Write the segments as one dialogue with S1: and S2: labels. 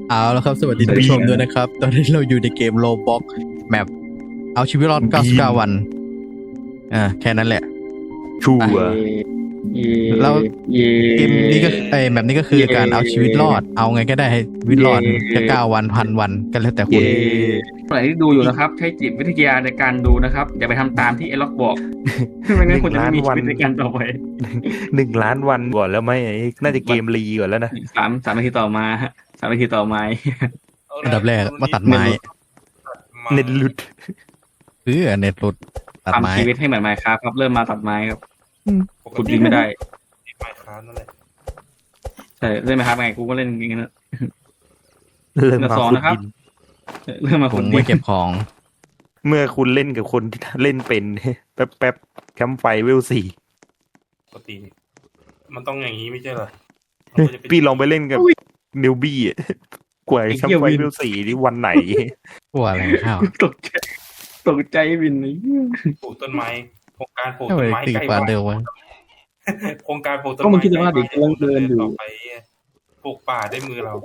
S1: เอาแล้วครับสวัสดีท่านผู้ชมด้วยนะครับ ตอนนี้เราอยู่ในเกมโลบ็อกแมปเอาชีวิตรอด99 วันแค่นั้นแหละ
S2: ชัว
S1: อ่ะ
S2: ร์
S3: เย่
S1: แล้ว
S3: เย่
S1: เกมนี้ก็แบบนี้ก็คือการเอาชีวิตรอดเอาไงก็ได้ให้ชีวิตรอดจะ9 วัน1,000 วันก็แล้วแต่คุณ
S3: เย่ใครที่ดูอยู่นะครับ ใช้จิตวิทยาในการดูนะครับ อย่าไปทำตามที่ไอ้ล็อกบอก ไม่งั้นคุณจะไม่มีชีวิตในการต่อไป
S2: 1,000,000 วันก่อนแล้วไหมน่าจะเกมรีก่อนแล้วนะ
S3: สามนาทีต่อมาฮะ3 นาทีต่อมา
S1: อันดับแรกมาตัดไม้
S2: เน็ตหลุด
S1: เน็ตหลุดตัดไม้
S3: ทำชีวิตให้เหมือนไมค์ครับ เริ่มมาตัดไม้ครับขุดดินไม่ได้
S4: ไมค์ครับนั่นแหละ
S3: ใช่เล่นไมค์ครับไงกูก็เล่นอย่างนั้นนะ
S2: เริ่มมา
S3: สอง
S2: ขุด
S3: นะครับ
S2: ดิน
S3: เริ่มมา
S1: ผ
S3: ขุ
S1: ม
S3: ดดิ
S1: ไว้
S3: น
S1: เก็บของ
S2: เมื่อคุณเล่นกับคนที่เล่นเป็น แป๊บแคมป์ไฟเวล 4
S4: ปกติมันต้องอย่างนี้ไม่ใช่เหรอมันก็จะเป็น
S2: พี่ลองไปเล่นกับนิวบี้กว่าแคมป์ไฟเวล 4 นี่วันไหน
S1: กลัวอะไรข้าว
S3: ตกใจวินเลย
S4: ปลูกต้นไม้โครงการปลูก
S1: ทำไม
S4: ต้นไม้
S1: ตี
S4: ใกล้
S1: กว่า
S4: บ้าน
S1: เดิมวะ
S4: โครงการปลูกต้น
S3: ก็มึ
S4: ไม้
S3: งคิดว่าเด็กกำลังเดินอยู่
S4: ต่อไปปลูกป่าด้วยมือเรา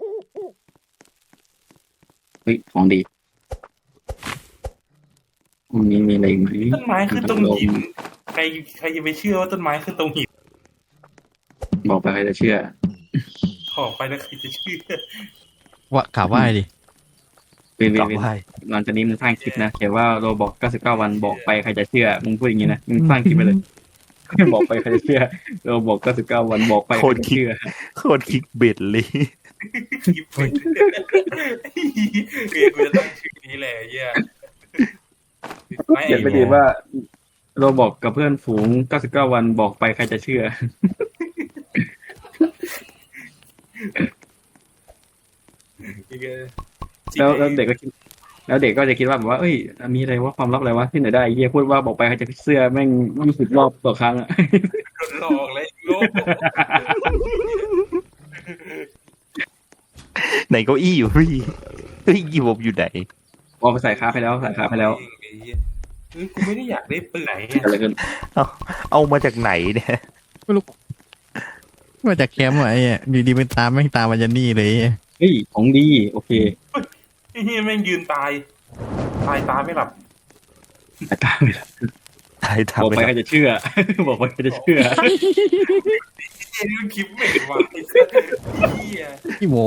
S3: เฮ้ยของดีมีอะไรอีกไหม
S4: ต้นไม้ขึ้นตรงหินใครจะไปเชื่อว่าต้นไม้ขึ้นตรงหิน
S3: บอกไปใครจะเชื่อ
S4: ขอไปแล้วใครจะเชื่อ
S1: ว่ากล่าวว่าดิ
S3: เวนเว
S2: กลั
S3: น
S2: บ
S3: เวน
S2: ไป
S3: หลังจากนี้มึงสร้างคลิปนะเขียนว่าโรบอก99 วันบอกไปใครจะเชื่อมึงพูดอย่างนี้นะมึงสร้างคลิปไปเลย บอกไปใครจะเชื่อโรบอก99 วันบอกไปใครจะเชื่อ
S2: โคตรคิกเบ็ดเลย
S4: คิดเป็นกูจะตั้งชื่อนี้แหละเหี้ย
S3: เขียนไปดีว่าโรบอกกับเพื่อนฝูง99 วันบอกไปใครจะเชื่อ แล้วเด็กก็คิดแล้วเด็กก็จะคิดว่าแบบว่าเอ้ยมีอะไรว่าความลับอะไรวะที่ไหนได้เฮียพูดว่าบอกไปใครจะเชื่อแม่ง20 รอบต่อครั้งอะ
S4: โดนหลอกเลยโลก
S2: ไหนเก้าอี้อยู่พี่เฮ้ยกี่ผมอยู่ไหน
S3: เอาไปใส่คาไปแล้วใส่คาไปแล้ว
S4: กูไม่ได้อยากได้ปืนไหน
S3: เกิดอะไรขึ้น
S2: เอามาจากไหนเนี่ย
S1: มาจากแคมป์วะไอ้เนี่ยอยู่ดีเป็นตามไม่งตามมาจะนี่เลย
S3: เฮ้ยของดีโอเค
S4: ไอ้เหี้ยแม่งยืนตายตาไม่หลับ
S3: ตามไปแล้ว
S2: ถ่าย
S3: บอก
S2: ทำ
S3: ไป
S2: ไป
S3: ใครจะเชื่อ บอกไปใครจะเชื่อ
S4: เฮ้ยมันคลิปเหม็นว่ะไอ้สัสเหี้ย
S1: พี่โม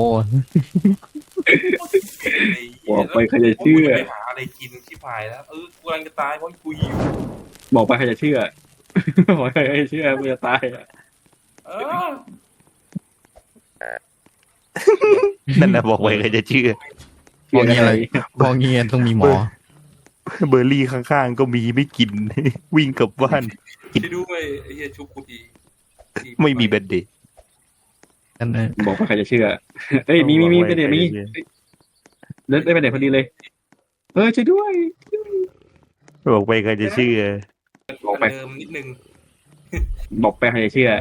S3: บอกไปใครจะเชื่อ
S4: ไปหาอะไรกินชิบหายแล้วกูกำลังจะตายเพราะกูหิว
S3: บอกไปใครจะเชื่อ บอกไปใครจะเชื่อกูจะตายอะ
S4: เออ
S2: นั่นนะบอกไว้ใครจะเชื่อ
S1: มองเงี้ยอะไรมองเงี้ยต้องมีหมอ
S2: เบอร์รี่ข้างๆก็มีไม่กิน วิ่งกลับบ้าน
S4: ช่วยด้วยไอ้เหี้ยชุบกูที
S2: ไม่มีแบนเดต
S1: นั่นเอง
S3: บอกไปใครจะเชื่อเอ้ยมีไปเดี๋ยวนี้เลิศได้ไปเดี๋ยวพอดีเลยช่วยด้วย
S2: บอกไปใครจะเชื่อ
S3: บอกไป
S4: เดิมนิดนึง
S3: บอกไปใครจะเชื่อ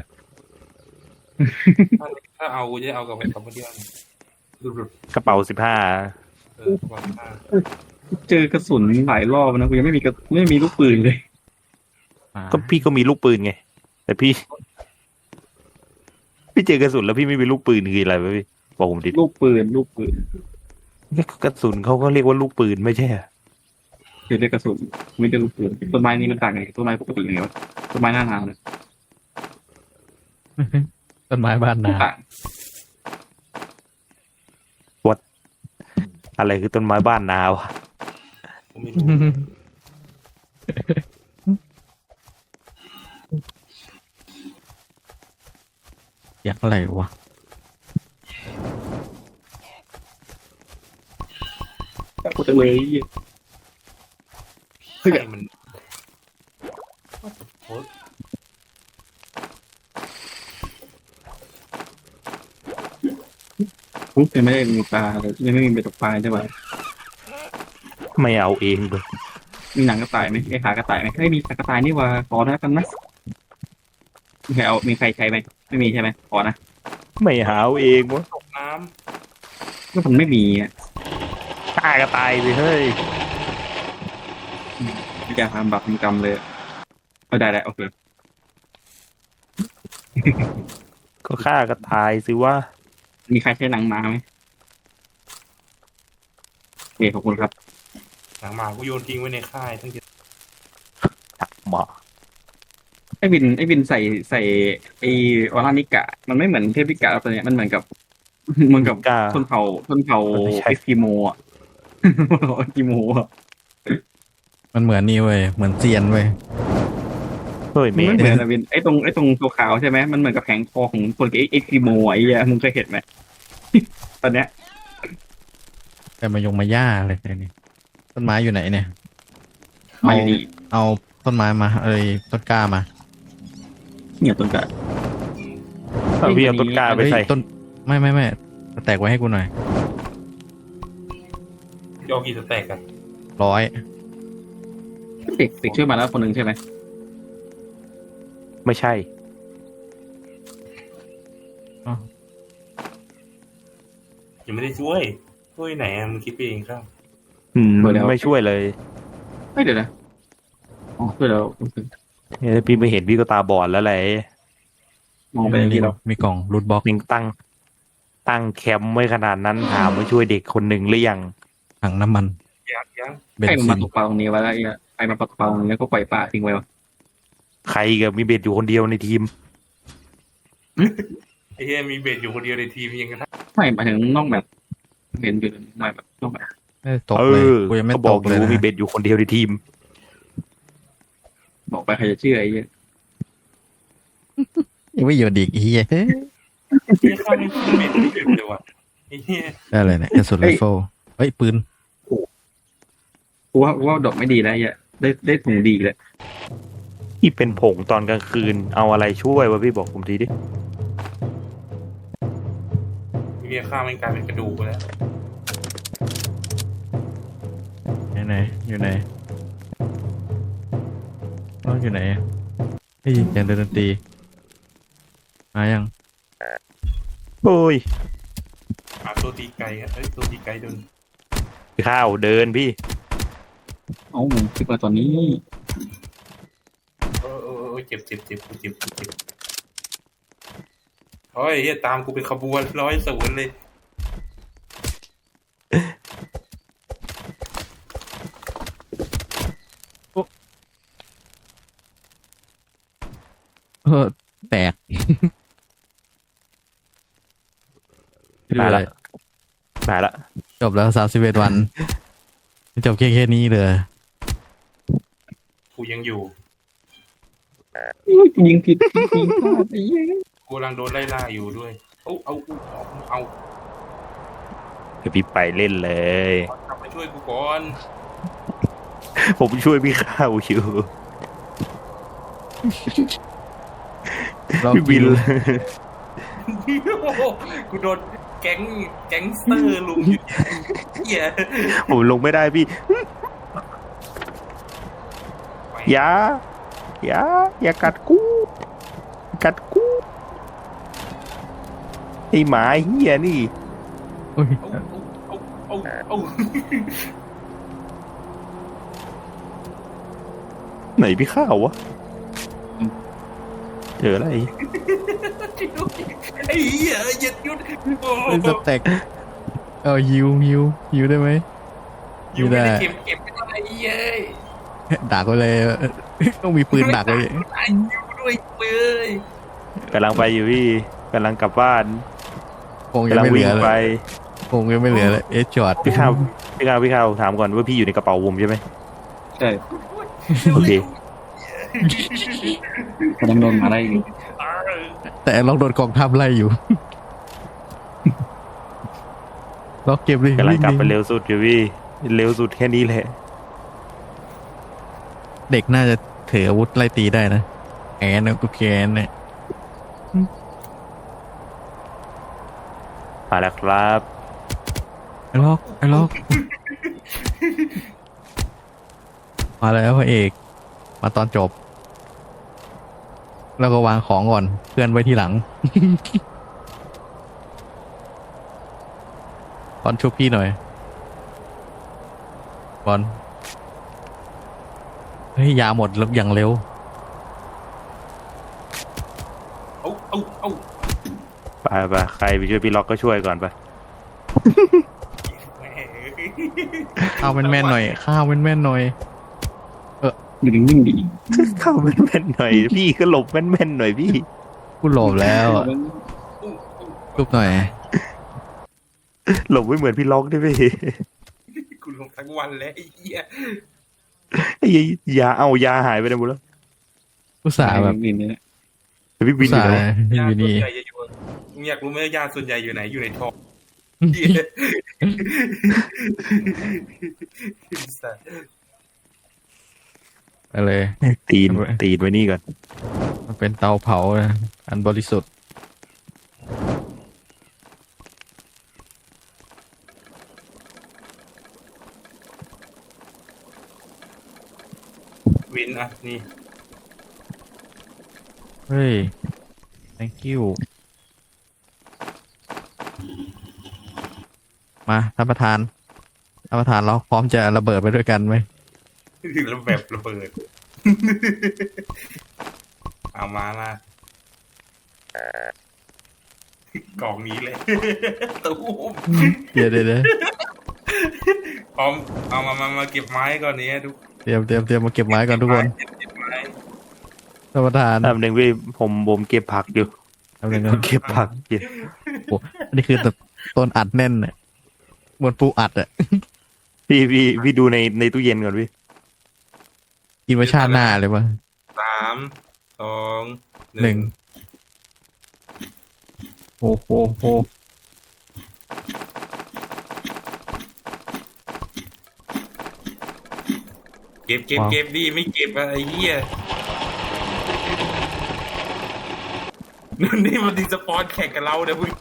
S4: ถ้าเอากูจะเอากับคอมเมดี้ดู
S2: กระเป๋า15
S4: ก่อนหน้า
S3: เจอกระสุนหลายรอบนะกูยังไม่มีลูกปืนเลย
S2: ก็พี่ก็มีลูกปืนไง แต่พี่เจอกระสุนแล้วพี่ไม่มีลูกปืนคืออะไรวะพี่บอกผมดิ
S3: ลูกปืน
S2: กระสุนเขาก็เรียกว่าลูกปืนไม่ใช่เหรอ
S3: คือเรียกกระสุนไม่ได้ลูกปืนต้นไม้นี้มันต่างไงต้นไม้ปกติยังไงวะต้นไม้หน้าหนาวเนี่ย
S1: ต้นไม้บ้านนา
S3: ต่าง
S2: อะไรคือต้นไม้บ้านนาวะ
S4: ผมไม่รู้
S1: อยากอะไรวะ
S3: กูจะเลย
S4: ใครมันโอ้
S3: ปุ๊บยังไม่ได้มีปลาเลยยังไม่มีเบ็ดตกปลาใช่ไหม
S2: ไม่เอาเองเลย
S3: มีหนังกระต่ายไหมไอ้ขากระต่ายไหมเฮ้ยมีขากระต่ายนี่ว่าขอนะกันนะมีใครใช้ไหมไม่มีใช่ไหมขอนะ
S2: ไม่หาเอาเองวะ
S4: ตกน้
S3: ก็มันไม่มีอ่ะ
S2: ฆ่าก็ตายไปเฮ้ย
S3: ไม่อยากทำบาปทำกรรมเลยได้โอเค
S2: ก็ฆ่าก็ตายสิว่า
S3: มีใครใช้หนังม้าไหมเคขอบคุณครับ
S4: หนังหมากูโยนทิ้งไว้ในค่ายตั้งเยอะ
S2: หมอ
S3: ไอ้วินใส่ไอ้ออร่านิกะมันไม่เหมือนเทพนิกะตัวเนี้ยมันเหมือนกับ
S2: กล้า
S3: ชนเผ่า
S2: ไม่ใช่
S3: เอสกิโมอ่ะ เอสกิโมอ่ะ
S1: มันเหมือนนี่เว้ยเหมือนเซียนเว้ย
S2: เฮ้ยเม
S3: มัน
S2: ย์
S3: ไม่เหมือนนะวินไอ้ตรงตัวขาวใช่ไหมมันเหมือนกับแผงคอของคนเอสกิโมไอ้เหี้ยมึงเคยเห็นไหม ตอนเนี้ย
S1: แต่มายงมาย่าเลยเนี่ยต้นไม้อยู่ไหนเนี่ย
S3: มาอยู่นี่
S1: เอาต้นไม้มาเอ้ยต้นกล้ามา
S3: เนี่ยต้นกะ
S2: เอาพี่เอาต้นกล้าไป
S1: เฮ้ย
S2: ใส่
S1: ต้นไม่แตกไว้ให้กูหน่อย
S4: ยอกี่สแต็กกัน
S1: 100
S3: เด็กช่วยมาแล้วคนหนึ่งใช่ไหม
S2: ไม่ใช่
S4: ยังไม่ได้ช่วยไหนอะมึงคิดไปเองครับ
S2: ไม่ช่วยเลย
S3: ไม่เดี๋ยวนะอ๋อช่วยแล้ว
S2: เนี่ยพี่ไม่เห็นพี่ก็ตาบอดแล้วแหละ
S3: มองไปอย่างนี้เรา
S1: มีกล่องรูทบ็อก
S2: มิงตั้งแคมป์ไว้ขนาดนั้นถามว่าช่วยเด็กคนหนึ่งหรือยัง
S1: ถังน้ำมัน
S4: ยัง
S1: เบน
S3: ใครมัน
S1: ซิ
S3: มาน ตกปลาตรงนี้ไว้แล้วไอ้มาตกปลาตรงนี้แล้วก็ปล่อยปลาทิ้งไว้วะ
S2: ใครกับมีเบ็ดอยู่คนเดียวในทีม
S4: ไอ้เหี้ยมีเบสอยู่คนเดียวในทีมยังไงนะ
S3: ไม่หมายถึงนอกแบบเห็นอยู่ไม่แบบนอกแบบ
S1: ไม่ได้ตกเลยกูยังไม่
S2: ก็บ
S1: ต
S2: อก
S1: ก
S2: อ
S1: เลย
S2: ยู่
S1: นะ
S2: มีเบ็ดอยู่คนเดียวในทีม
S3: บอกไปใครจะเชื่อไอ้เหี้ย
S1: ยังไม่หยุดอีกเฮีย
S4: ไอ้เหี้ยข้าวไม่กินเบสไม่หยุดเลยว่ะไอ้เหี้ย
S1: ได้เลยเนี่ยกระสุนไรเฟิลเฮ้ยปืน
S3: กูว่าดอกไม่ดีแล้วไอ้เหี้ยได้ถุงดีเลย
S2: ที่เป็นผงตอนกลางคืนเอาอะไรช่วยวะพี่บอกผมทีดิ
S4: ไอ้เหี้ยข้าวมันกลายเป็นกระดูกไปแล้ว
S1: ไหนอยู่ไหนเราอยู่ไหนได้ยินเสียงดนตรีมายัง
S2: โอ้ย
S4: ตัวตีไก่อะตัวตีไก่โดน
S2: ข้าวเดินพี่
S3: เอ้าคิดว่าตอนนี้
S4: เจ็บโอ้ยเหี้ยตามกูเป็นขบวน100เลย
S1: แตก
S2: มาละมาละ
S1: จบแล้ว31 วันจบแค่นี้เลย
S4: กูยังอยู่
S3: ยิงผิดยิงพลาดไอ้เหี้ย
S4: กูกำลังโดนไล่ล่าอยู่ด้วยเอา
S2: เดี๋ยวพี่ไปเล่นเลย
S4: กลับมาช่วยกูก่อน
S2: ผมช่วยพี่ข้าวอยู่
S1: เรา
S2: พี่บิน
S4: กูโดนแก๊งสเตอร์ลุมอยู่เหี้ย
S2: ผมลงไม่ได้พี่อย่ากัดกูไอหมาเฮียนี่
S1: อุ๊ย
S4: เอา
S2: ไหนพี่ข้าววะเจออะไร
S4: ไอ้เหี้ยหยุด
S1: เป็นสเต็กฮิวได้ไหม
S4: อยู่ไม่ได้เก็บไม่ได้ไอ้เหี้ย
S1: ดักไว้เลยต้องมีปืนดักไว้
S4: ไอ้ยูด้วยเลย
S2: กำลังไปอยู่พี่กำลังกลับบ้าน
S1: คงยัง
S2: กำลัง
S1: ไม่เห
S2: วิ่
S1: ลื
S2: ง
S1: อเล
S2: ไป
S1: ยคงยังไม่เหลือเลยจอด
S2: พี่ข้าวถามก่อนว่าพี่อยู่ในกระเป๋าผมใช่ไหม
S3: ใช่
S2: โอเค
S3: กำลังโดนมาได้อยู่
S1: แต่เราโดนกองทัพไล่อยู่ ล็อกเก็บเลย
S2: กำลังกลับไป
S1: วิ่ดิ
S2: เร็วสุดอยู่พี่เร็วสุดแค่นี้แหละ
S1: เด็กน่าจะถืออาวุธไล่ตีได้นะแอนนะกูแกนเนี่ย
S2: มาแล้วครับ
S1: ไอ้ล็อกมาแล้วพระเอกมาตอนจบ แล้วก็วางของก่อนเพื่อนไว้ที่หลัง บอลชุบพี่หน่อยบอลเฮ้ยยาหมดแล้วอย่างเร็ว
S4: เอา
S2: ไปใครไปช่วยพี่ล็อกก็ช่วยก่อนไป
S4: แหม
S1: ข้าวแม่นๆหน่อยข้าวแม่นๆหน่อย
S3: อยู่นิ่งๆดี
S2: เข้าแม่นๆหน่อยพี่ก็หลบแม่นๆหน่อยพี่
S1: กูหลบแล้วอะรูปหน่อย
S2: หลบไม่เหมือนพี่ล็อกด้วยพี่
S4: กูลงทั้งวันแล้วไอ้เหี้ย
S2: ไอ้ยาเอายาหายไปไหนหมดแล้ว
S1: กูสาห์แบบ
S3: วินเนี่ย
S2: พี่
S1: กู
S2: วินอ
S1: สา
S2: ยู่
S1: ห์
S2: แล้ว
S1: อ
S4: ญาติ
S1: ยู่
S4: ส่วน
S1: นี่
S4: ใหญ่จะอยู่มึงอยากรู้ไหมญาติส่วนใหญ่อยู่ไหนอยู่ในท้องเหี้ยสัตว์
S1: ไปเลย
S2: ตีนไว้นี่ก่อน
S1: มันเป็นเตาเผานะอันบริสุทธิ์
S4: วินอ่ะนี่
S1: เฮ้ย thank you มาท่านประธานเราพร้อมจะระเบิดไปด้วยกันไหม
S4: แล้วแบบระเบิดเอามากล่องนี้เลยตู้ม
S1: เดี๋ยว
S4: พร้อมเอามาเก็บไม้ก่อนนี้ทุก
S1: เตรียมมาเก็บไม้ก่อนทุกคน
S4: เก็บไม้
S1: ท่านประธาน
S2: ทำหนึ่งพี่ผมเก็บผักอยู่
S1: ทำยังไง
S2: เก็บผักอยู่
S1: อันนี้คือต้นอัดแน่นเนี่ยเหมือนปูอัดอะ
S2: พี่ดูในตู้เย็นก่อนพี่
S1: กินมาชาติหน้าเลยมั้ง
S4: 3 2
S1: หนึ่ง
S4: 1
S1: โอ้โห
S4: เก็บดิไม่เก็บอะไรเหี้ยนี่มันดีสปอนแข่งกับเราเนี่ยมึง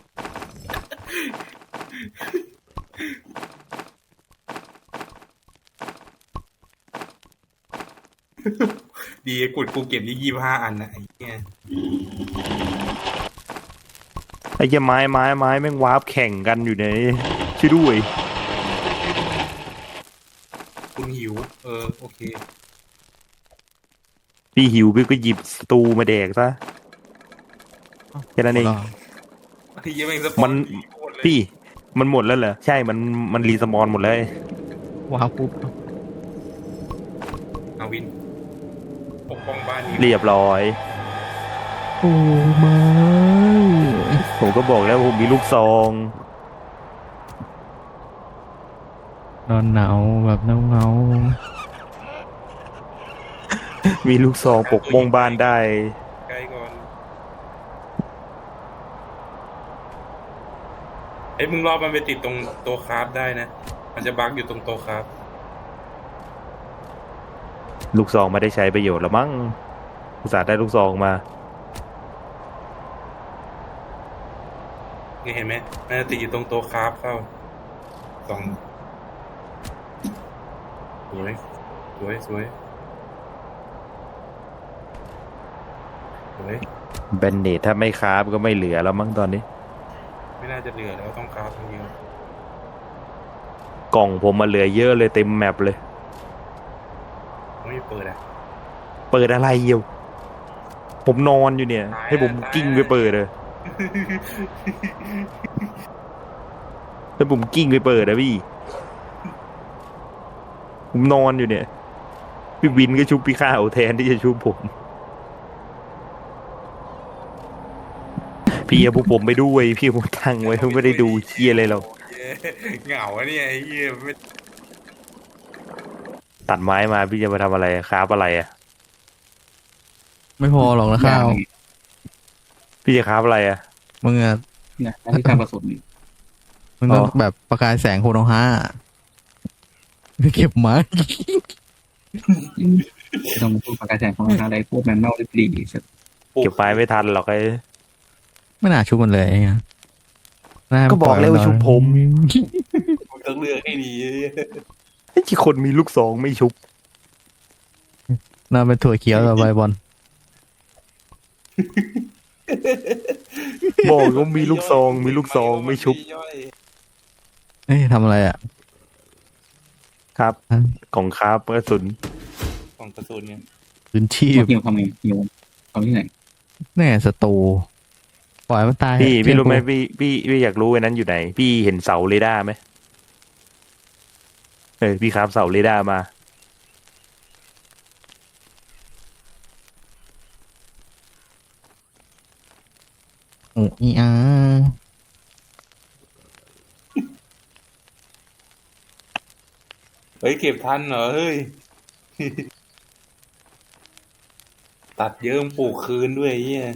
S4: ดีกูเก็บนี่25 อันนะไอ้เหี้ย
S2: ไอ้เหี้ยไม้แม่งวาร์ปแข่งกันอยู่ในช่วยด้วย
S4: คุณหิว โอเค
S2: พี่หิวพี่ก็หยิบสตูมาแดกซะแค่นั้นเอง
S4: ไอ้เหี้ยแม่งสปอนหมดเลย
S2: พี่มันหมดแล้วเหรอใช่มันรีสมอนหมดเลย
S1: ว้าวปุ๊บ
S4: เอาวินปกป้องบ้านนี้
S2: เรียบร้อย
S1: โอ้ไม่
S2: ผมก็บอกแล้วผมมีลูกซอง
S1: นอนหนาวแบบเงา
S2: มีลูกซองปกป้องบ้านได้
S4: ใกล้ก่อนมึงรอมันไปติดตรงโต๊ะคราฟได้นะ มันจะบั๊กอยู่ตรงโต๊ะคราฟ
S2: ลูกซองไม่ได้ใช้ประโยชน์แล้วมั้งอุตส่าห์ได้ลูกซองมา
S4: นี่เห็นไหมมันจะติดอยู่ตรงโต๊ะคราฟเข้าสองสวยสวย
S2: แบนเนตถ้าไม่คราฟก็ไม่เหลือแล้วมั้งตอนนี้
S4: ไม่น่าจะเหลือแล้วต้องคราฟจริง
S2: กล่องผมมาเหลือเยอะเลยเต็มแมปเลย
S4: ๆไม่เปิดอ่ะ
S2: เปิดอะไรเยี่ยวผมนอนอยู่เนี่ย ให้ผมกิ้งไปเปิดเลยให้ผมกิ้งไปเปิดนะพี่ ผมนอนอยู่เนี่ย พี่วินก็ชุบพี่ข้าวแทนที่จะชุบผม พี่เอาพวกผมไปด้วย พี่ผมตั้งไว้เพิ่งไม่ได้ดูเชียอะไรหรอก
S4: เหงาอะเนี่ยไอ้เหี้ยไม่
S2: ตัดไม้มาพี่จะมาทำอะไรคราฟอะไรอ่ะ
S1: ไม่พอหรอกนะข้าว
S2: พี่จะคราฟอะไรอ่ะ
S1: มึงอะ
S3: เนี่ยที่ทำผสม
S1: มึงต้อง
S2: อ๋อ
S1: แบบประกายแสงโคโนฮาไปเก็บไม้
S3: ต้องพูดประกาศแสงของอะไรพวกแมนนอลลิบลี
S2: เก็บไม้ไม่ทันหรอกไอ้
S1: ไม่น่าชุบมันเลยไงน่า
S2: ก็บอกแล้วว่าชุบผม
S4: ต้องเลือกให้ดี
S2: ไอ้ที่คนมีลูกซองไม่ชุบ
S1: น่าเป็นถั่วเขียวต่อไปบอล
S2: บอกว่ามีลูกซองมีลูกซองไม่ชุบ
S1: เอ้ยทำอะไรอ่ะ
S2: ครับ ของคราฟกระสุน
S4: ของกระสุนเนี่ย
S1: พื้นที่
S3: หิวทำไงหิวทำที่ไหน
S1: แน่ศัตรูปล่อยมันตาย
S2: พี่รู้ไหม
S1: เชื่อ
S2: พี่อยากรู้ไอ้นั้นอยู่ไหน พี่เห็นเสาเรดาร์ไหมพี่ครับเสาเรดาร์มา
S1: โอ้อีอา
S4: เฮ้ยเก็บทันเหรอเฮ้ย ตัดเยิ้มปลูกคืนด้วยไอ้เหี้ย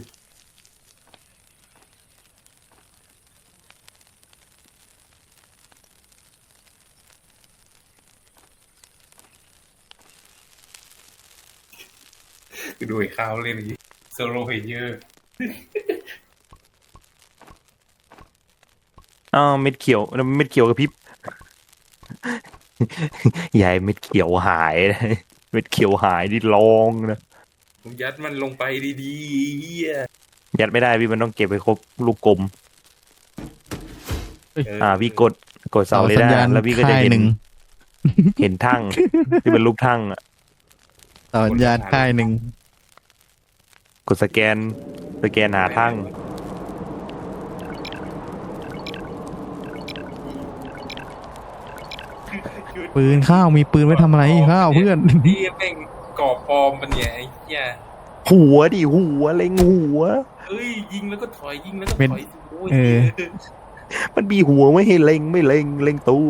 S4: ดูไอ้ข้าวเล่นอย่างงี้โซโลเพลเยอร์
S2: อ้าวเม็ดเขียวแล้วเม็ดเขียวกับพริบ ยายเม็ดเขียวหายนะเม็ดเขียวหายนี่ลองนะ
S4: ผมยัดมันลงไปดีๆไอ้เหี้ย
S2: ยัดไม่ได้พี่มันต้องเก็บไปครบลูกกลม พี่กดเสาเร
S1: สัญ
S2: ดา
S1: ญาณ
S2: ร์แล้วพี่ก็จะ
S1: ค่าย
S2: เห็
S1: ห
S2: น
S1: นึ่ง
S2: เห็นทั่งที่เป็นรูปทั่งอะ
S1: สัญญาณค่ายหนึ่ง
S2: กดสแกนหาทั่ง
S1: ปืนข้าวมีปืนไว้ทำอะไรข้าวเพื่อน
S4: นี่แม่งก่อปลอมมันเนี่ยไอ้เหี้ย
S2: หัวดิหัวเล็งหัว
S4: เฮ้ยยิงแล้วก็ถอยยิงแล้วก็
S1: เป็น
S4: ถอยโอ้ย
S1: เออ
S2: มันมีหัวไม่ให้เล็งไม่เล็งเล็งตัว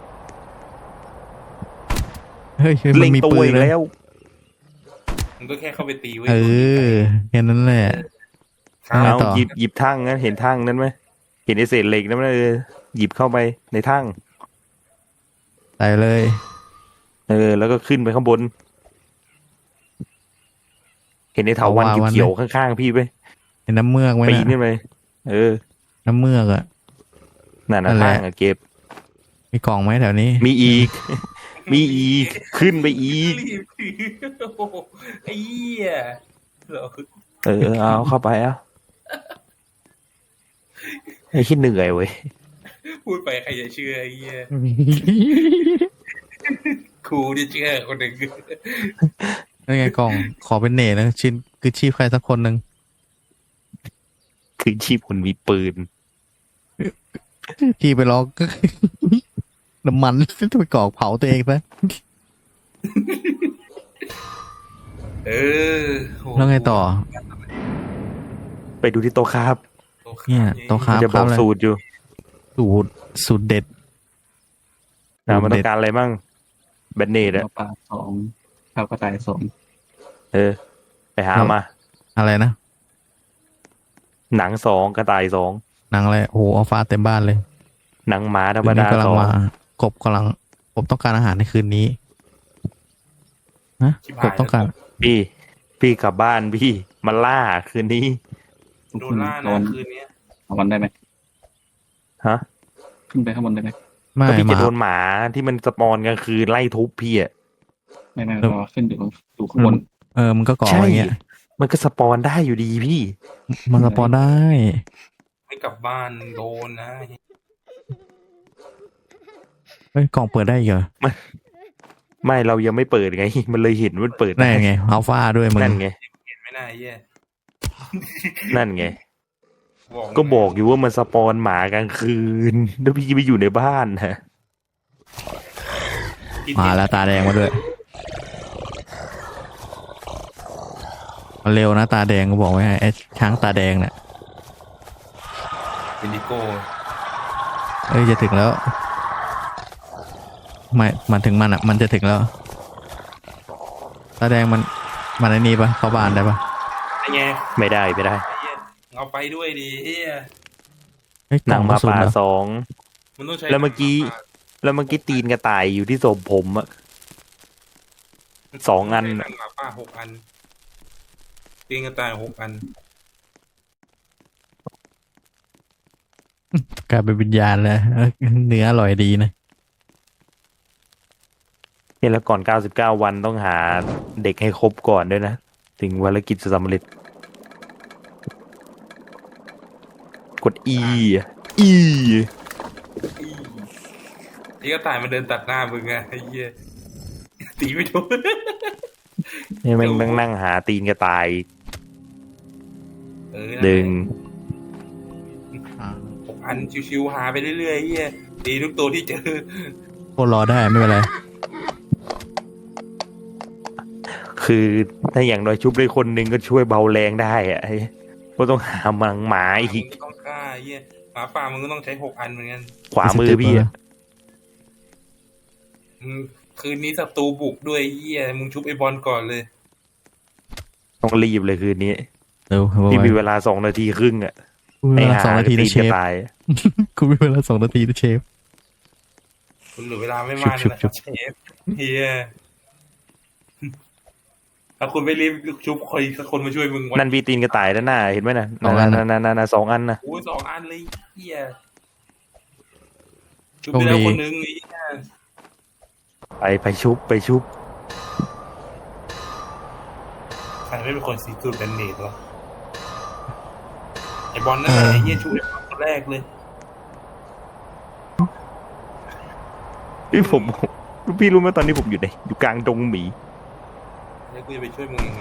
S1: เฮ้ยมั
S2: เล็
S1: น
S2: ง
S1: มี
S2: ตัว
S1: ปืน
S2: อีก
S1: นะ
S2: แล้ว
S4: มันก็แค่เข้าไปตีไว้
S1: เออแค่นั้นแหละ
S4: ครับ
S1: ไง
S2: เอา
S1: ต่อ
S2: หยิบทั่งนั้นเห็นทั่งนั้นไหมเห็นไอ้เศษเหล็กนั้นไหมหยิบเข้าไปในทั่ง
S1: ใส่เลย
S2: แล้วก็ขึ้นไปข้างบน เห็นไอ้เถาวัลย์เขียวๆข้างๆพี่ไป
S1: เห็นน้ำเมือกไหม
S2: ปีน
S1: นะ
S2: ขึ้นไป
S1: น้ำเมือกอะ
S2: นั่น
S1: นั่
S2: นะ
S1: นแหละ
S2: ทั่งอะเก็บ
S1: มีกล่องไหมแถวนี้
S2: มีอีก มีอีก ขึ้นไปอีก
S4: รีบถือโอ้โหไอ้เหี้ยเหรอ
S2: เอาเข้าไปไอ้ขี้เหนื่อยเว้ย
S4: พูดไปใครจะเชื่อไอ้เหี้ยครูจะเชื่อคนหนึ่ง
S1: นั่นไงกล่องขอเป็นเนตนะชิ้นคือชีพใครสักคนหนึ่ง
S2: คือชีพคนมีปืน
S1: ที่ไปล็อกก็ น้ำมันไปกรอกเผาตัวเองซะ
S4: เออโห
S1: แล้วไงต่อ
S2: ไปดูที่โต๊ะครับ
S4: โต๊ะข้าม
S1: เนี่ยโต๊ะข้าม
S2: จะบอกสูตรอยู่
S1: สูตรเด็ด
S2: มันต้องการอะไรมั่งแบนเนตอะ
S3: ปลาสองข้าวกระต่ายสอง
S2: ไปหามา
S1: อะไรนะ
S2: หนัง2กระต่าย2
S1: หนังอะไรโอ้โหอัลฟาเต็มบ้านเลย
S2: หนังหมาธรรม
S1: คืนนี้
S2: ดาก
S1: ำลัง
S2: 2
S1: มากบต้องการอาหารในคืนนี้นะกบต้องการ
S2: พี่กลับบ้านพี่มาล่าคืนนี้
S4: โดนล่า
S3: โด
S4: นะ
S3: น
S4: คืนเนี้ย
S3: ข้างบนได้ไหม
S2: ฮะ
S3: ขึ้นไปข้างบนได้ไหม
S1: ไม่
S2: ก็พี่
S1: มา
S2: จะโดนหมาที่มันสปอนกลางคืนไล่ทุบพี่อะ
S3: ไม่เราขึ้นอยู่ข้างบน
S1: มันก็ก่อ
S2: ใช่
S1: อย่างเงี้ย
S2: มันก็สปอนได้อยู่ดีพี่
S1: มันสปอนได้
S4: ไม่กลับบ้านโดนนะ
S1: เฮ้ยกล่องเปิดได้อีกเหรอ
S2: ไม่เรายังไม่เปิดไง มันเลยเห็นมันเปิด
S1: ได้ไงอัลฟาด้วยมึง
S2: นั่นไง
S4: เห็นไม่น่าแย่
S2: นั่นไง ก็บอกอยู่ว่ามันสปอนหมากลางคืน แล้วพี่ไปอยู่ในบ้านนะ
S1: มาแล้วตาแดงมาด้วยมันเร็วนะตาแดงก็บอกไว้ให้ไอ้ช้างตาแดงเนี่ย
S4: วินิโก้
S1: เอ้ยจะถึงแล้วไม่มันถึงมันอ่ะมันจะถึงแล้วตาแดงมันไอ้นี่ปะเข้าบ้านได้ปะ
S4: ไอ้ไง
S2: ไม่ได้
S4: ไอ้เหี้ยเอาไปด้วยดิเฮีย
S1: เฮ้ยก
S2: ห
S1: ล่
S2: นั
S1: อง
S2: ง
S1: ก
S2: ห
S1: ระ
S2: มา
S1: สุน
S2: ป่า
S1: เหรอ
S2: 2
S4: มันต้องใช้
S2: แล้วเมื่อกี้ตีนกระต่ายอยู่ที่ศพผมอะ 2 อัน
S4: หนังหมาป่า6 อันตีนกระต่าย6 อัน
S1: กลายเป็นวิญญาณแล้วเนื้ออร่อยดีนะ
S2: เนี่ยแล้วก่อน99 วันต้องหาเด็กให้ครบก่อนด้วยนะ ถึงภารกิจจะสำเร็จ กด E
S4: ไอ้กระต่ายมันเดินตัดหน้ามึงไงไอ้เหี้ยตีไม่โดน
S2: เนี่ยแม่งนั่งหาตีนกระต่าย
S4: นั่นแหละ
S2: ดึง
S4: 6 อันชิวๆหาไปเรื่อยๆไอ้เหี้ยตีทุกตัวที่เจอ
S1: พวกรอได้ไม่เป็นไร
S2: คือถ้าอย่างน้อยชุบได้คนหนึ่งก็ช่วยเบาแรงได้อะก็ต้องหามังหมาอี
S4: มึ
S2: ก
S4: งก็ต้องฆ่าเหี้ยหมาป่ามึงก็ต้องใช้6 อันเหมือนกัน
S2: ขวามือพี่อะ
S4: คืนนี้ศัตรูบุกด้วยเหี้ยมึงชุบไอ้บอลก่อนเลย
S2: ต้องรีบเลยคืนนี้
S1: เร็ว
S2: นี่มีเวลา2 นาทีครึ่งอะ
S1: กูมีเวลา2 นาที
S2: ตี
S1: นะเช
S2: จะ
S1: ฟ
S2: ตาย
S1: กูมีเวลา2 นาทีนะเชฟ
S4: คุณเหลือเวลาไม่มาก
S1: ชุบ
S4: นะครับเชฟเฮียถ้าคุณไม่รีบชุบใครสักคนมาช่วยมึง
S2: นั่นพี่ตีนกระต่ายด้านหน้าเห็นไหมนะ
S1: สองอัน
S2: นั่น2 อันนะ
S4: โอ้ย2 อันเลยเฮียชุบไปแล้วคนนึงไอ้เหี้ย
S2: ไปชุบ
S4: ใครไม่เป็นคนซีตูดแบนเนตวะไอ้บอลนั่นแหละไอ้เฮียชุบไอ้บอลคนแรกเลย
S2: พี่รู้ไหมตอนนี้ผมอยู่ไหนอยู่กลางดงหมี
S4: แล้วกูจะไปช่วยมึงยังไง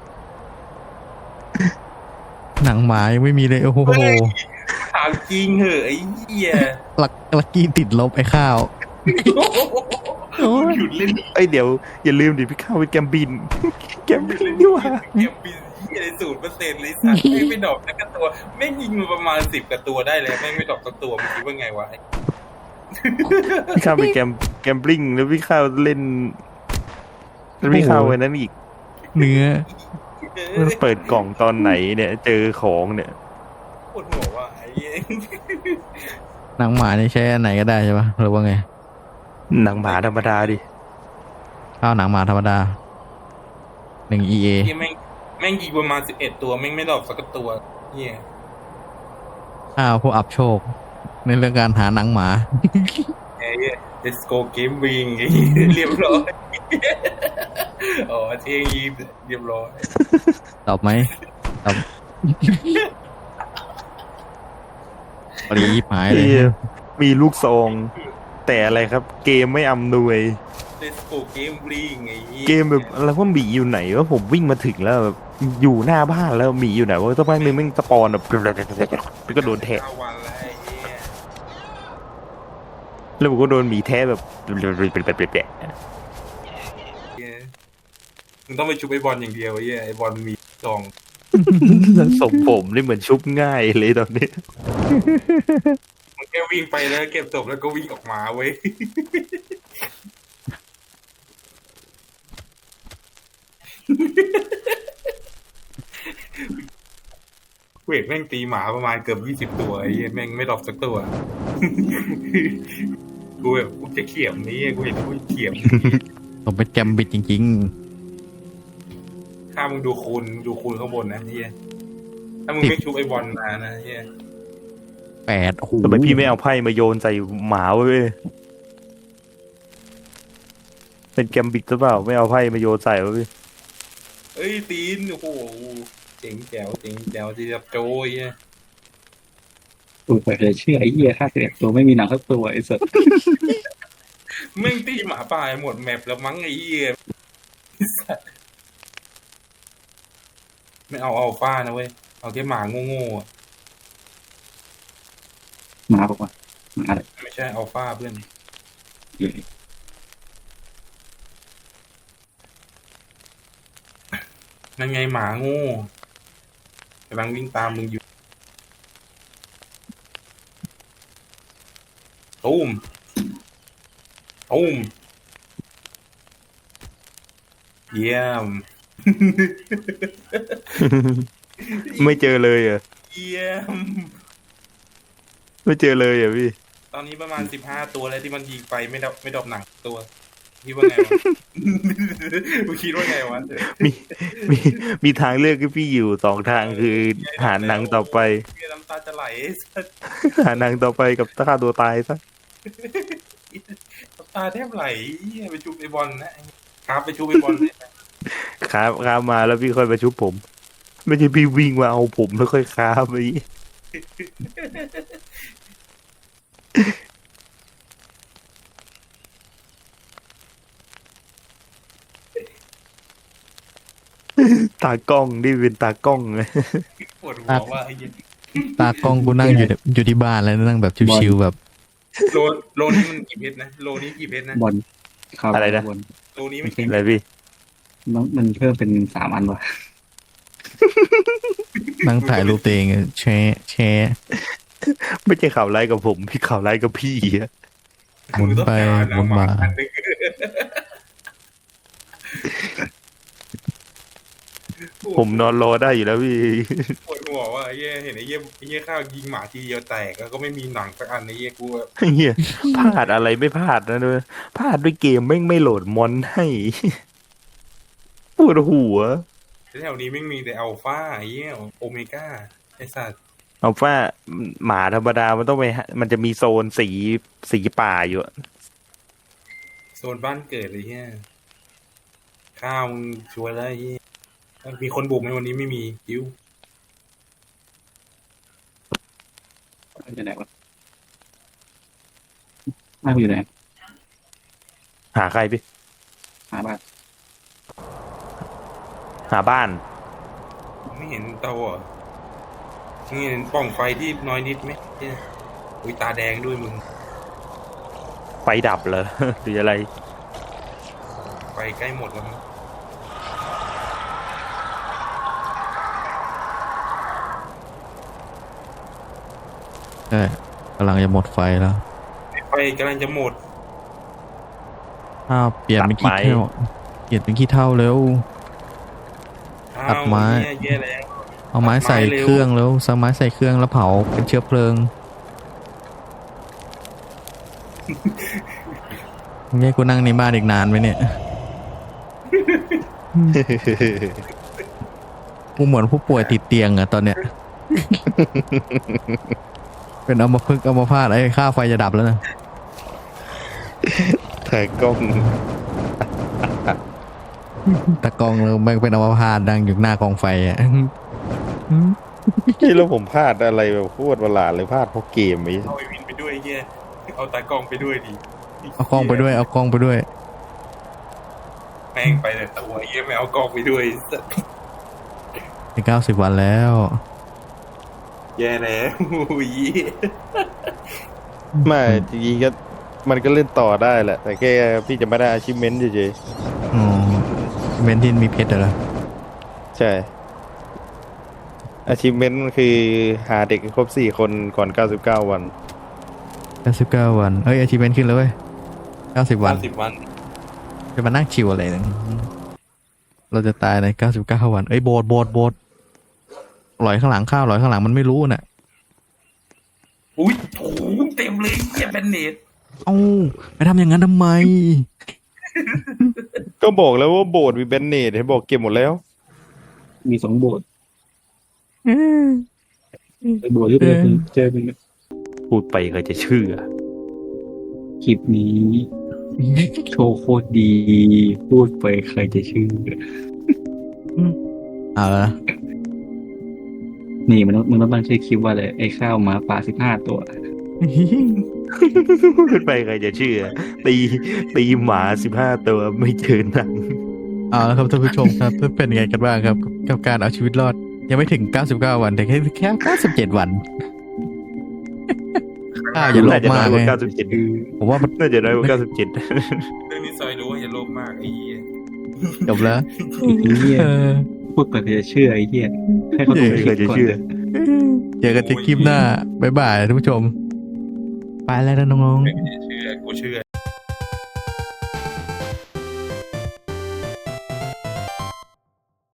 S1: หนังหมายังไม่มีเลยโอ้โห
S4: ถามจริงเหอะไอ้เฮีย
S1: ลักกี้ติดลบไอ้ข้าว
S4: มึงหยุดเล่น
S2: เดี๋ยวอย่าลืมดิพี่เข้าไปแกมบิน แกมบินดีกว่า
S4: เก็บปีเฮีย0%เลยสัตว์ไม่ดอกสักตัวแม่งยิงมาประมาณ10 กว่าตัวได้เลยแม่งไม่ดอกสักตัวมึงคิดว่าไงวะ
S2: พี่เข้าไปแกมบลิงแล้วพี่เข้าเล่นแล้วพี่เข้าไว้นั้นอีก
S1: เนื้อ
S2: เปิดกล่องตอนไหนเนี่ยเจอของเนี่ย
S4: ปวดหัวว่ะไอ้เหี้ย
S1: หนังหมานี่ใช้อันไหนก็ได้ใช่ปะหรือว่าไง
S2: หนังหมาธรรมดาดิ
S1: ข้าวหนังหมาธรรมดา1 EA
S4: เหี้ยแม่งยิงประมาณ11 ตัวแม่งไม่ดอกสักตัวเฮีย
S1: ข้าวผู้อับโชค ในเรื่องการหาหนังหมา
S4: ไอ้เหี้ย Let's go game wing ไอ้เหี้ยเรียบร้อยอ๋อเที่ยงยีเรียบร้อย
S1: ตอบไหมตอบปรีบหายเลย
S2: พี่มีลูกซอง แต่อะไรครับ เกมไม่อำนวย
S4: Let's go game wing ไอ้เหี้ย
S2: เกมแบบแล้วว่าหมีอยู่ไหนว่าผมวิ่งมาถึงแล้วแบบอยู่หน้าบ้านแล้วหมีอยู่ไหนว่าสักพักนึงแม่งสปอนแบบแล้วก็โดนแทะ
S4: 9 วันแล้วไอ้เหี้ย
S2: แล้วผมก็โดนหมีแทะแบบ
S4: เหี้ยมึงต้องไปชุบไอ้บอลอย่างเดียวไอ้เหี้ยไอ้บอลมีซอง
S2: สมผมนี่เหมือนชุบง่ายเลยตอนนี้
S4: มันแค่วิ่งไปแล้วเก็บศพแล้วก็วิ่งออกมาเว้ย เวทแม่งตีหมาประมาณเกือบ20 ตัวไอ้เหี้ยแม่งไม่ดรอปสักตัว กูแบบกูจะเขี่ยมนี้กูเห็นกูเขี่ยม
S1: ผมเป็นแกมบิดจริง
S4: ถ้ามึงดูคูณข้างบนนะไอ้เหี้ยถ้ามึงไม่ชุบไอ้บอลมานะไอ้เหี้ย
S1: ๆ8โอ้โห
S2: ทำไมพี่ไม่เอาไพ่มาโยนใส่หมาเว้ยเป็นแกมบิดหรือเปล่าไม่เอาไพ่มาโยนใส่เว้ย
S4: เอ้ยตีนโอ้โหเจ๋งแจ๋วที่จะโจยอ่ะ
S3: กูไปเลยเชื่อไอ้เหี้ย51 ตัวไม่มีหนังสักตัวไอ้สัส
S4: แม่งตีหมาป่าหมดแมปแล้วมั้งไอ้เหี้ยไม่เอาอัลฟานะเว้ยเอาแค่หมาโง่ๆอะ
S3: มาบอกว่ามาเลย
S4: ไม่ใช่อัลฟาเพื่อนนั่นไงหมาโง่กำลังวิ่งตามมึงอยู่ตุ้มเยี่ยม
S2: ไม่เจอเลยเหรอ่ะ
S4: เยี่ยม
S2: ไม่เจอเลยเหรอ่ะพี่
S4: ตอนนี้ประมาณ15 ตัวแล้วที่มันยิงไปไม่ดรอปหนังตัวคิดว่าไงวะ มึงคิดว่าไงวะ
S2: มีทางเลือกให้พี่อยู่2 ทางคือหาหนังต่อไป
S4: เหี้ยน้ำตาจะไหลสัส
S2: หาหนังต่อไปกับฆ่าตัวตายซะ
S4: น้ำตาแทบไหลเหี้ยไปชุบไอ้บอลนะครับไปชุบไอ้บอลเนี่ย
S2: ค้ามาแล้วพี่ค่อยมาชุบผม ไม่ใช่พี่วิ่งมาเอาผมแล้วค่อยค้าไปตากล้องนี่เป็นตากล้องเลย
S4: ปวดหัวว่าไอ้เหี้ย
S1: ตากล้องกูนั่งอยู่ที่บ้านแล้วนั่งแบบชิวๆแบบ
S4: โลนี้มันกี่เพชรนะโลนี้กี่เพชรนะ
S3: บอลครับ
S2: อะไรนะ
S3: บอล
S4: โลนี้มันกี่
S2: อะไรพี่
S3: มันเพิ่มเป็น3 อันวะ
S1: นั่งถ่ายรูปตัวเองแชร์
S2: ไม่ใช่ข่าวไล่กับผมพี่ข่าวไล่กับพี่อะ
S1: หมุนไปหมุนมา
S4: อันนึง
S2: ผมนอนรอได้อยู่แล้วพี่
S4: ปวดหัวว่าไอ้เหี้ยเห็นไอ้เหี้ยข้าวยิงหมาทีเดียวแตกแล้วก็ไม่มีหนังสักอันไอ้เหี้ยกูแบบ
S2: เฮียพลาดอะไรไม่พลาดนะด้วยพลาดด้วยเกมแม่งไม่โหลดมอนให้ ปวดหัว
S4: แถวนี้ไม่มีแต่อัลฟาไอ้เหี้ยโอเมก้าไอ้สัตว์
S2: เอาว่าหมาธรรมดามันต้องไปมันจะมีโซนสีป่าอยู่อะ
S4: โซนบ้านเกิดเลยเหี้ยข้าวมึงช่วยแล้วไอ้เหี้ยมีคนบุกไหมวันนี้ไม่มีคิว
S3: อยู่ไหนวะน่าอยู่ไหน
S2: หาใครพี่
S3: หาบ้าน
S2: หาบ้าน
S4: ไม่เห็นเตาเหรอไม่เห็นปล่องไฟที่น้อยนิดไหมเหี้ยอุ้ยตาแดงด้วยมึง
S2: ไฟดับเหรอ หรืออะไร
S4: ไฟใกล้หมดแล้วมั้ง
S1: ใช่กำลังจะหมดไฟแล้ว
S4: ไฟกำลังจะหมด
S1: อ้าวเปลี่ยนเป็น
S2: ตัดไม้
S1: ขี้เท่าเปลี่ยนเป็นขี้เท่าเร็ว
S4: อ้า
S1: ตัดไม้
S4: วเนี่ยแย่แล้ว
S1: เอาไม้ใส่เครื่องแล้วสไม้ใส่เครื่องแล้วเผาเป็นเชื้อเพลิงเนี่ยกูนั่งในบ้านอีกนานไหมเนี่ย กูเหมือนผู้ป่วยติดเตียงอะตอนเนี้ย เป็นอัมพฤกษ์อัมพาตไอ้ค่าไฟจะดับแล้วนะ
S2: ถ่ายกล้อง
S1: ตะกองเราแม่งเป็นอัมพาตดังอยู่หน้ากองไฟอะ
S2: ที่แล้วผมพลาดอะไรแบบโคตรประหลาดเลยพลาดเพราะเกมไอ้
S4: เอาไอวินไปด้วยไอ้เหี้ยเอาตากล้องไปด้วยดิ
S1: เอากล้องไปด้วยเอากล้องไปด้วย
S4: แม่งไปแต่ตัวไอ้เหี้ยไม่เอากล้องไปด้วยสัส
S1: ใน90 วันแล้ว
S4: แย่แล้วอุ้ย
S2: ไม่จริงๆก็มันก็เล่นต่อได้แหละ แต่แค่พี่จะไม่ได้ achievement เฉย
S1: อ๋อเมนทินมีเพชรเหรอ
S2: ๆใช่ achievement มันคือหาเด็กให้ครบ4 คนก่อน 99 วัน
S1: 99 วันเอ้ย achievement ขึ้นแล้วเว้ย90 วัน
S4: 50 วัน
S1: จะมานั่งชิวอะไรเนี่ยเราจะตายใน99 วันเอ้ยโบสถ์ลอยข้างหลังข้าวลอยข้างหลังมันไม่รู้น่ะ
S4: อุ้ยโอ้โหเต็มเลยเหี้ยแบนเนต
S1: เอ้าไปทำอย่างนั้นทำไม
S2: ก็บอกแล้วว่าโบสถ์มีแบนเนตให้บอกเก็บหมดแล้ว
S3: มี2 โบสถ์ไอ้โบสถ์ที่เป็นเจอเป็น
S2: พูดไปใครจะเชื่อ
S3: คลิปนี้โชว์โคตรดี พูดไปใครจะเชื่อ
S1: เอาละ
S3: นี่มันต้องตั้งชื่อคลิปว่าเลยไอ้ข้าวหมาป่า15 ตัว
S2: พูดไปใครจะเชื่อ ตีหมา15 ตัวไม่เจอหนัง
S1: เอาละครับท่านผู้ชมครับเป็นยังไงกันบ้างครับกับการเอาชีวิตรอด ยังไม่ถึง99 วันแต่แค่97 วันอย่าโลภมาก
S2: น่
S1: เลย
S2: จะน้อยกว่า97
S1: ผมว่ามัน
S2: น่าจะน้อยกว่า97
S4: เรื่องนี้ซอยรู้ว่าอย่าโลภมากไอ้เหี้ย
S1: จบแล้ว
S3: ไอ้เหี้ย
S1: เออ
S3: พูดไปใครจะเชื่อไอ้เหี้ยให้เขาดูคลิป
S2: ใครจะ
S3: ก่อน
S2: เชื่อ
S1: เจอกันที่คลิปหน้าบ๊ายบายท่านผู้ชม ไปแล้วนะน้องๆ
S4: กูเชื่อ